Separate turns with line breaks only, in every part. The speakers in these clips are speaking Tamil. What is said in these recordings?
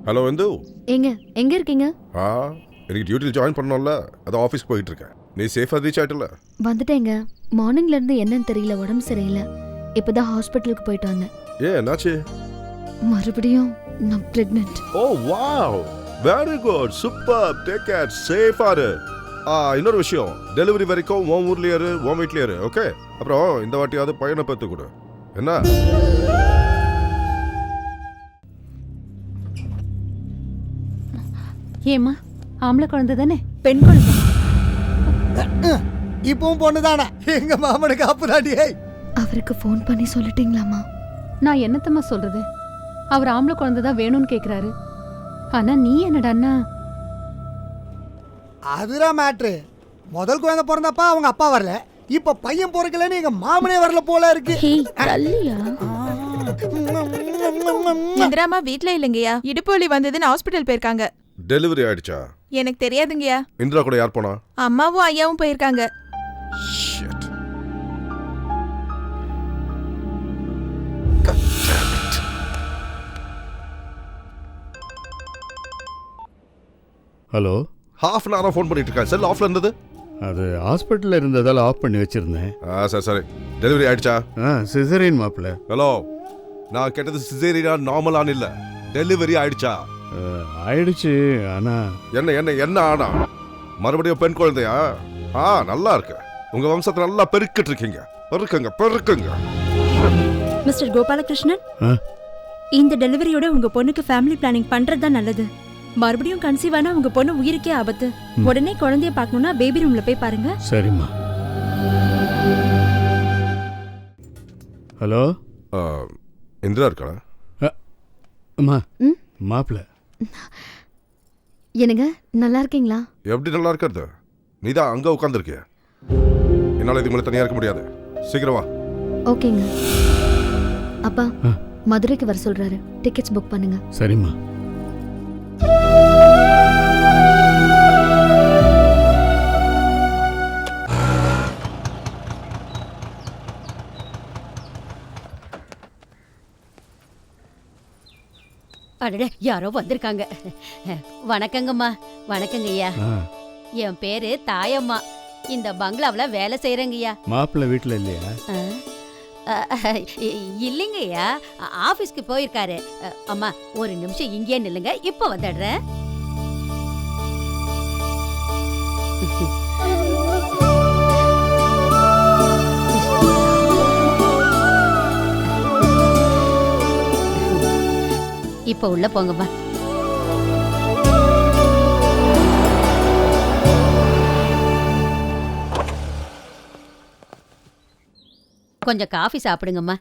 ஹலோ வந்து
எங்க இருக்கீங்க?
எனக்கு டியூட்டியில் ஜாயின் பண்ணோம்ல, அதான் ஆஃபீஸ்க்கு போயிட்டு இருக்கேன். நீ சேஃபாக ரீச் ஆயிட்டல?
வந்துட்டேங்க. மார்னிங்ல இருந்து என்னன்னு தெரியல, உடம்பு சரியில்லை. இப்பதான் ஹாஸ்பிட்டலுக்கு போயிட்டு வந்தேன்.
என்னாச்சு?
மறுபடியும் நான் pregnant.
Oh wow, very good, super, take care, சேஃபா இரு. இன்னொரு விஷயம், டெலிவரி வரைக்கும் உன் ஊர்லயே இரு, உன் வீட்லயே இரு, ஓகே? அப்புறம் இந்த வாட்டியாவது பையனை பெற்று கொடு, என்ன?
ஏம்மா, ஆம்பளை குழந்தை தானே?
பெண் குழந்தை.
இப்பவும் பொண்ணுதானா? எங்க மாமனுக்கு அப்புறாடியே.
அவருக்கு ஃபோன் பண்ணி சொல்லிட்டீங்களாமா?
நான் என்னத்தம்மா சொல்றது? அவர் ஆம்பளை குழந்தை தான் வேணும்னு கேக்குறாரு. ஆனா நீ என்னடான்னா?
அதுதான் மேட்ரு. முதல் குழந்தை பிறந்தப்பா அவங்க அப்பா வரல, இப்ப பையன் பிறக்கலன்னு எங்க மாமனே வரல போல இருக்கு.
இந்திராமா வீட்ல இல்லைங்கய்யா, இடுப்பு வலி வந்ததுன்னு ஹாஸ்பிட்டல் போயிருக்காங்க.
டெலிவரி ஆயிடுச்சா?
எனக்கு தெரியாதுங்கய்யா.
இந்திரா கூட யார் போனா?
அம்மாவும் ஐயாவும் போயிருக்காங்க.
Shit.
ஹலோ.
ஹாஃப் அன் ஹவரா ஃபோன் பண்ணிட்டு இருக்கேன். செல் ஆஃப்ல இருந்தது.
அது ஹாஸ்பிட்டலில் இருந்ததால் ஆஃப் பண்ணி வச்சிருந்தேன்.
சரி சரி. டெலிவரி ஆயிடுச்சா?
சிசரியன் மாப்பிள்ள.
ஹலோ, நான் கேட்டது சிசேரியனா நார்மலான்னு இல்ல, டெலிவரி ஆயிடுச்சா?
ஆயிடுச்சு. ஆனா
என்ன என்ன என்ன ஆனா? மறுபடியும் பெண் குழந்தையா? நல்லா இருக்கு. உங்க வம்சத்தை நல்லா பெருக்கிட்டு இருக்கீங்க. பெருக்குங்க பெருக்குங்க.
மிஸ்டர் கோபாலகிருஷ்ணன், இந்த டெலிவரியோட உங்க பொண்ணுக்கு ஃபேமிலி பிளானிங் பண்றது தான் நல்லது. மறுபடியும் கன்சீவ் ஆனா உங்க பொண்ணு உயிருக்கே ஆபத்து. உடனே குழந்தைய பார்க்கணும்னா பேபி ரூம்ல போய் பாருங்க.
சரிம்மா. ஹலோ.
இந்திரா இருக்கா?
அம்மா, மாப்பிள்ள.
என்னங்க, நல்லா இருக்கீங்களா?
எப்படி நல்லா இருக்கிறது? நீ தான் அங்க உட்காந்துருக்கிய. என்னால இதுக்கு மேலே தனியா இருக்க முடியாது. சீக்கிரம் வா.
ஓகேங்க. அப்பா மதுரைக்கு வர சொல்றாரு, டிக்கெட்ஸ் புக் பண்ணுங்க.
சரிம்மா.
அடடே, யாரோ வந்திருக்காங்க. வணக்கங்கம்மா. வணக்கங்க ஐயா. என் பேரு தாயம்மா. இந்த பங்களாவுல வேலை செய்யறேங்கய்யா.
மாப்பிள்ள வீட்டுல இல்லையா?
இல்லைங்க ஐயா, ஆபீஸ்க்கு போயிருக்காரு. அம்மா ஒரு நிமிஷம் இங்கே நில்லுங்க, இப்ப வந்துடுறேன். இப்ப உள்ள போங்கம்மா. கொஞ்சம் காஃபி சாப்பிடுங்கம்மா.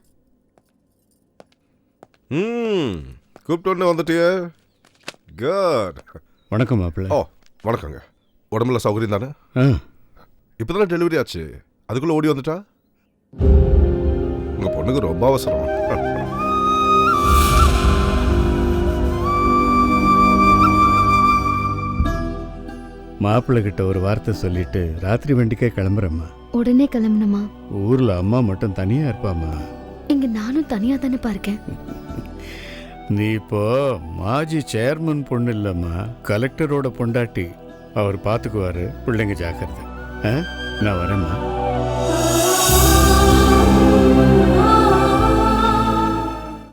கூப்பிட்டு வந்துட்டிய. குட்.
வணக்கம் மாப்பிள்ள.
வணக்கங்க. உடம்புல சௌகரியம் தானே? இப்பதானே டெலிவரி ஆச்சு, அதுக்குள்ள ஓடி வந்துட்டா? உங்க பொண்ணுக்கு ரொம்ப அவசரம்.
மாப்பிள்ள கிட்ட ஒரு வார்த்தை சொல்லிட்டு ராத்திரி வண்டிக்கே கிளம்புறேம்மா.
உடனே கிளம்பணுமா?
ஊர்ல அம்மா மட்டும் தனியா இருப்பாமா.
இங்க நானும் தனியா தானே இருக்கேன்.
நீ இப்போ மாஜி சேர்மன் பொண்ணு இல்லம்மா, கலெக்டரோட பொண்டாட்டி. அவர் பாத்துக்குவாரு. பிள்ளைங்க ஜாக்கிரதை. நான் வரேம்மா.